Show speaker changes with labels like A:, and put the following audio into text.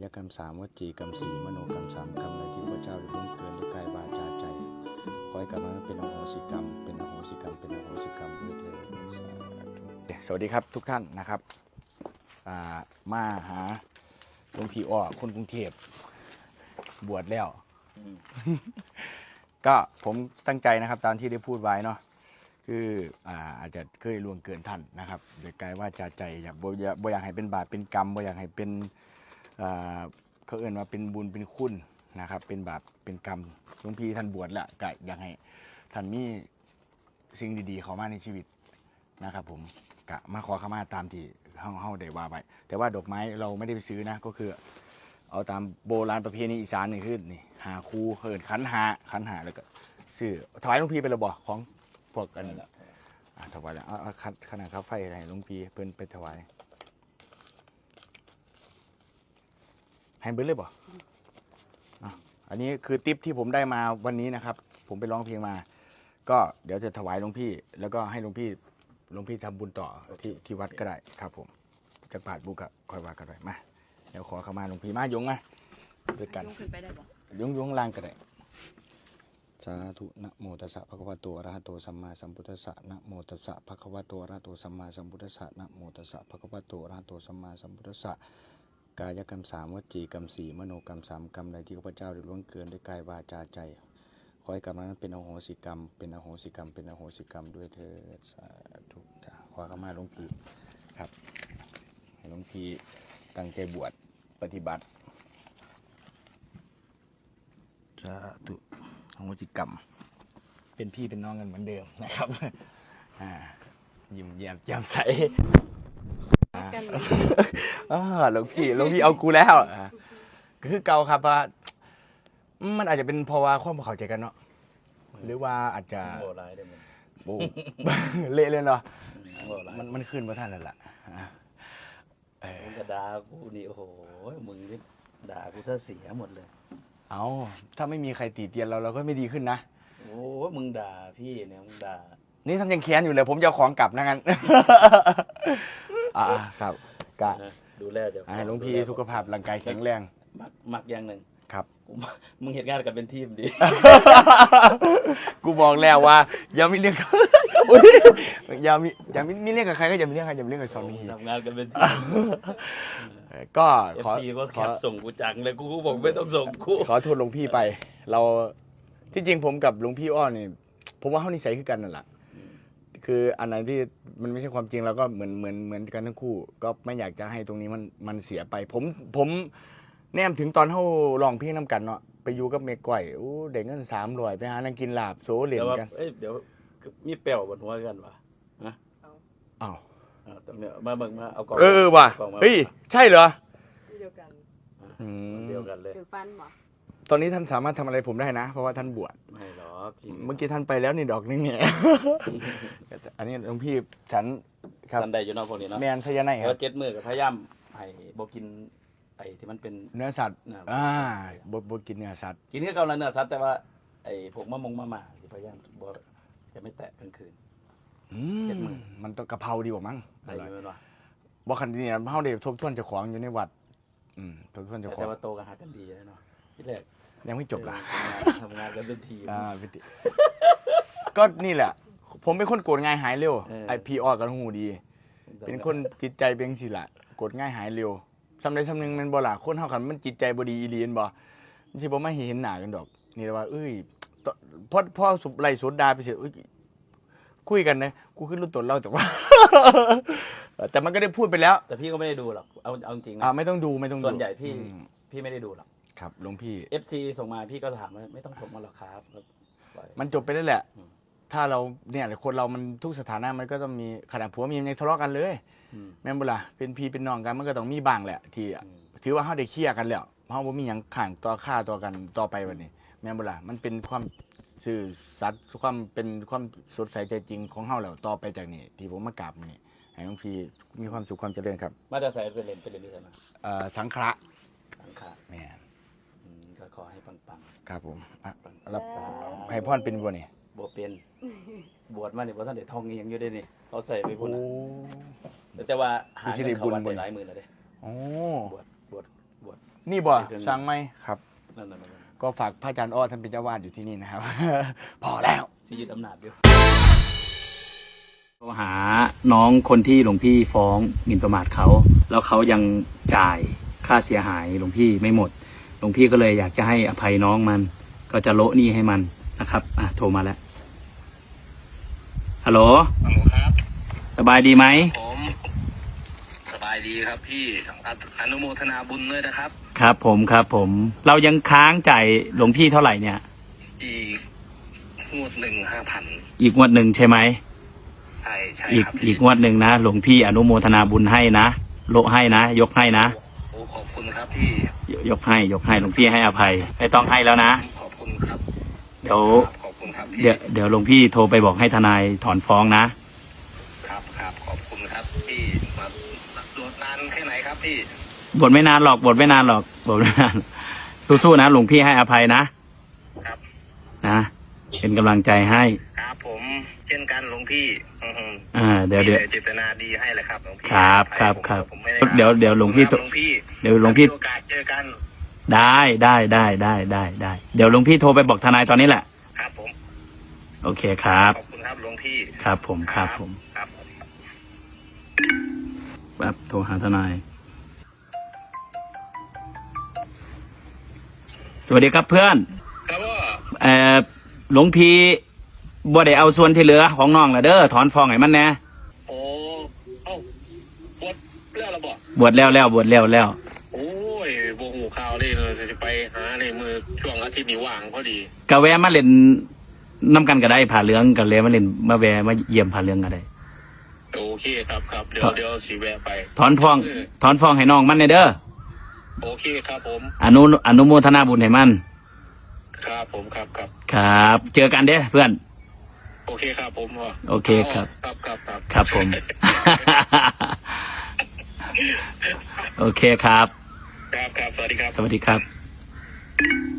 A: ายกรรมสามวจีกรรมสี่มโนกรรมสามกรรมใดที่พระเจ้าได้ล่วงเกินด้วยกายวาจาใจขอให้กรรมนั้นเป็นอโหสิกรรมเป็นอโหสิกรรมเป็นอโหสิกรรมด้วยเถิดสวัสดีครับทุกท่านนะครับมาหาหลวงพี่อ้อคนกรุงเทพบวชแล้วก็ผมตั้งใจนะครับตามที่ได้พูดไว้เนาะคืออาจจะเคยล่วงเกินท่านนะครับโดยกายว่าใจอยากบ่อยากให้เป็นบาปเป็นกรรมบ่อยากให้เป็นเขาเอ่ยว่าเป็นบุญเป็นคุณนะครับเป็นบาปเป็นกรรมหลวงพี่ท่านบวชแล้วก็อยากให้ท่านมีสิ่งดีๆเข้ามาในชีวิตนะครับผมกะมาขอขมาตามที่เฮาได้ว่าไปแต่ว่าดอกไม้เราไม่ได้ไปซื้อนะก็คือเอาตามโบราณประเพณีอีสานนี่คือนี่หาคูเหินขันหาแล้วก็ซื้อถวายหลวงพี่ไปแล้วบ่ของพวกกันนั่นแหละถวายแล้วเอาขนาดข้าวไฟอะไรหลวงพี่เพิ่นไปถวายให้เบิ้ลเลยบ่อันนี้คือทิปที่ผมได้มาวันนี้นะครับผมไปร้องเพลงมาก็เดี๋ยวจะถวายหลวงพี่แล้วก็ให้หลวงพี่ทำบุญต่อที่วัดก็ได้ครับผมจะปาดบุกอะคอยว่ากันไปมาเดี๋ยวขอเข้ามาหลวงพี่มายงมาด้วยกันยงขึ้นไปได้บ่ยงล่างก็ได้สาธุนะโมตัสสะภะคะวะโตอะระหะโตสัมมาสัมพุทธัสสะนะโมตัสสะภะคะวะโตอะระหะโตสัมมาสัมพุทธัสสะนะโมตัสสะภะคะวะโตอะระหะโตสัมมาสัมพุทธัสสะกายกรรมสามวจีกรรมสี่มโนกรรมสามกรรมใดที่ข้าพเจ้าได้ล่วงเกินด้วยกายวาจาใจขอให้กรรมนั้นเป็นอโหสิกรรมเป็นอโหสิกรรมเป็นอโหสิกรรมด้วยเถิดสาธุขอเข้ามาหลวงพี่ครับให้หลวงพี่ตั้งใจบวชปฏิบัติสาธุอโหสิกรรมเป็นพี่เป็นน้องกันเหมือนเดิมนะครับยิ้มแย้มแจ่มใสหลวงพี่เอากูแล้วก็คือเก่าครับว่ามันอาจจะเป็นเพราะว่าความเข้าใจกันเนาะหรือว่าอาจจะ
B: โหร้ายได้มั้ย
A: โอ้เละเลยเนาะมันขึ้นมาท่านนั่นแหละ
B: มึงก็ด่ากูนี่โอ้โหมึงนี่ด่ากูซะเสียหมดเลย
A: เอาถ้าไม่มีใครตีเตียนเราก็ไม่ดีขึ้นนะ
B: โอ้มึงด่าพี่เนี่ยมึงด่า
A: นี่ท่านยังแค้นอยู่เลยผมจะเอาของกลับนะงั้นครับกะ
B: ดูแลเดี๋ยว
A: หลวงพี่สุขภาพร่างกายแข็งแรง
B: มักอย่างหนึ่ง
A: ครับ
B: มึงเห็นงานกันเป็นทีมดิ
A: กูบอกแล้วว่าอย่ามีเรื่องอย่ามีเรื่องกับใครก็อย่ามีเรื่องกับกับสามี
B: ทำงานกันเป็นทีม
A: ก็
B: ขอก็แคปส่งกูจังเลยกูบอกไม่ต้องส่งกู
A: ขอโทษหลวงพี่ไปเราที่จริงผมกับหลวงพี่อ้อนี่ผมว่าเขานิสัยคือกันนั่นแหละคืออันไหนที่มันไม่ใช่ความจริงเราก็เหมือนกันทั้งคู่ก็ไม่อยากจะให้ตรงนี้มันเสียไปผมแนมถึงตอนเขาลองเพลงน้ำกันเนาะไปอยู่กับเมฆก้อยโอ้เด็กเงิน300ไปหานั่งกินลาบโซเล่นกัน
B: เดี๋ยวมีเปรี้ยวบนหัวกันวะนะ
A: อ้าว
B: ตรงเนี้ยมาเบิ่งมาเอากล่อง
A: ว่ะเฮ้ยใช่เหรอ
C: เดียวกัน
B: เดียวกันเลย
C: ถือฟันบ่
A: ตอนนี้ท่านสามารถทำอะไรผมได้นะเพราะว่าท่านบวช
B: ไม่หรอก
A: เมื่อกี้ท่านไปแล้วนี่ดอกนึงเนี่ยอันนี้หลวงพี่ฉัน
B: ครับท่านใดอยู่นอกพวกนี้เนาะ
A: แมนสยามไหนครับ
B: 7 มื้อก็พยายามให้บ่กินไอ้ที่มันเป็น
A: เนื้อสัตว์บ่กินเนื้อสัตว์
B: กินแค่กำลังเนื้อสัตว์แต่ว่าไอ้พวกมะม่าที่พยายามบ่จะไม่แตะกลางคืน
A: 7 มื้อมันต้องกะเพราดีกว่ามั้ง
B: ได้อยู่แม่นบ่
A: บ่คันนี้เฮาได้ทบทวนเจ้าของอยู่ในวัดทบทวนเจ้าของ
B: แต่ว่าโตกันหากันดีเนาะที่แรก
A: ยังไม่จบล่ะ
B: ทำงานกันเป็นทีม
A: ก็นี่แหละผมเป็นคนโกรธง่ายหายเร็วไอพี่ออกกันหูดีเป็นคนจิตใจเป็นสิล่ะโกรธง่ายหายเร็วสำใดสำหนึ่งมันบ่ล่ะคนเฮากันมันจิตใจบ่ดีอีหลีนบ่สิบ่มาเห็นหน้ากันดอกนี่ว่าพอไล่สดดาไปเถอะคุยกันนะกูขึ้นรุ่นต้นเล่าแต่ว่าแต่มันก็ได้พูดไปแล้ว
B: แต่พี่ก็ไม่ได้ดูหรอกเอาจริงนะ
A: ไม่ต้องดู
B: ส่วนใหญ่พี่ไม่ได้ดูหรอก
A: ครับหลวงพี่
B: FC ส่งมาพี่ก็ถามว่าไม่ต้องส่งมาหรอกครับ
A: มันจบไปแล้วแหละถ้าเราเนี่ยคนเรามันทุกสถานะมันก็ต้องมีขนาดผัวเมียยังทะเลาะกันเลยแม่นบ่ล่ะเป็นพี่เป็นน้องกันมันก็ต้องมีบ้างแหละที่ถือว่าเฮาได้เคลียร์กันแล้วเฮาบ่มีหยังข้างต่อค่าต่อกันต่อไปวันนี้แม่นบ่ล่ะมันเป็นความซื่อสัตย์ความเป็นความสดใสใจจริงของเฮาแล้วต่อไปจากนี้ที่ผมมากราบนี่ให้หลวงพี่มีความสุขความเจริญครับ
B: มาจะใส่ไปเรียนที่ไหน
A: สังขะแม่
B: ก็ขอให้ปัง
A: ๆครับผมรับให้พรเป็นบ่นี่
B: บ่เป็นบวชมานี่บ่ทันได้ท่องอีหยังอยู่เด้นี่เขาใส่ไปพุ่นน่ะแต่ว่าหาเงินเข้าวัดได้หลายหมื่นแล้วเด้
A: โอ้
B: บวช
A: นี่บ่ช่างไหมครับ
B: นั่น
A: ก็ฝากพระอาจารย์อ้อท่านเป็นเจ้าวาดอยู่ที่นี่นะครับ พอแล้ว
B: สิยึดอำนาจอยู่โทรหาน้องคนที่หลวงพี่ฟ้องหมิ่นประมาทเขาแล้วเขายังจ่ายค่าเสียหายหลวงพี่ไม่หมดหลวงพี่ก็เลยอยากจะให้อภัยน้องมัน ก็จะโละหนี้ให้มันนะครับโทรมาแล้วฮัลโหล
C: ฮัลโหลครับ
B: สบายดีไหม
C: ผมสบายดีครับพี่อนุโมทนาบุญด้วยนะครับ
B: ครับผมเรายังค้างจ่ายหลวงพี่เท่าไหร่เนี่ย
C: อีกงวดหนึ่ง5,000
B: อีกงวดหนึ่งใช่ไหม
C: ใช่ครับ
B: อีกงวดหนึ่งนะหลวงพี่อนุโมทนาบุญให้นะโละให้นะยกให้นะ
C: โอ้ขอบคุณครับพี่
B: ยกให้หลวงพี่ให้อภัยไม่ต้องให้แล้วนะ
C: ขอบคุณครับ
B: เดี๋ยว
C: ขอบคุณครับพี่
B: เดี๋ยวหลวงพี่โทรไปบอกให้ทนายถอนฟ้องนะครับ
C: ขอบคุณครับพี่มาตรวจนานแค่ไหนครับพี่
B: บทไม่นานหรอกบทไม่นานสู้ๆนะหลวงพี่ให้อภัยนะครับ นะเป็นกำลังใจให้
C: ครับผมเช่นกันหลวงพี่
B: เดี๋ยว
C: มีแต่เจตนาดีให้เลยครับหลวงพี่
B: ครับ
C: ผมไม่ไ
B: เดี๋ยวหลวงพี่
C: หลวงพี่
B: เดี๋ยวหลวงพี่
C: มีโอกาสเจอกัน
B: ได้เดี๋ยวหลวงพี่โทรไปบอกทนายตอนนี้แหละ
C: ครับผม
B: โอเคครับ
C: ขอบคุณครับหลวงพี่
B: ครับผม
C: ครับ
B: แบบโทรหาทนายสวัสดีครับเพื่อน
C: ครับว่า
B: หลวงพี่บ่ได้เอาส่วนที่เหลือของน้องละเด้อถอนฟ้องให้มันแน่
C: โอ้เอ้าบวชแล้วเหรอบอก
B: บวชแล้ว
C: โอ้ยโบหูข่าวเลยเลยจะไปหาในมือช่วงอาทิตย์นี้ว่างพอดี
B: กะแวะมาเล่นน้ำกันก็ได้ผ่าเหลืองกันเลยมาเล่นมาแวะมาเยี่ยมผ่าเหลืองก็ได้
C: โอเคครับเดี๋ยวสีแวะไป
B: ถอนฟ้องให้น้องมันแน่เด้อ
C: โอเคครับผม
B: อนุโมทนาบุญให้มัน
C: ครับผมครับ
B: ครับ เจอกันเด้อเพื่อน
C: โอเคครับผมพ่อ
B: โอเคครับ
C: ครับ
B: ผม โอเคครับ
C: ครับสวัสดีครับ
B: สวัสดีครับ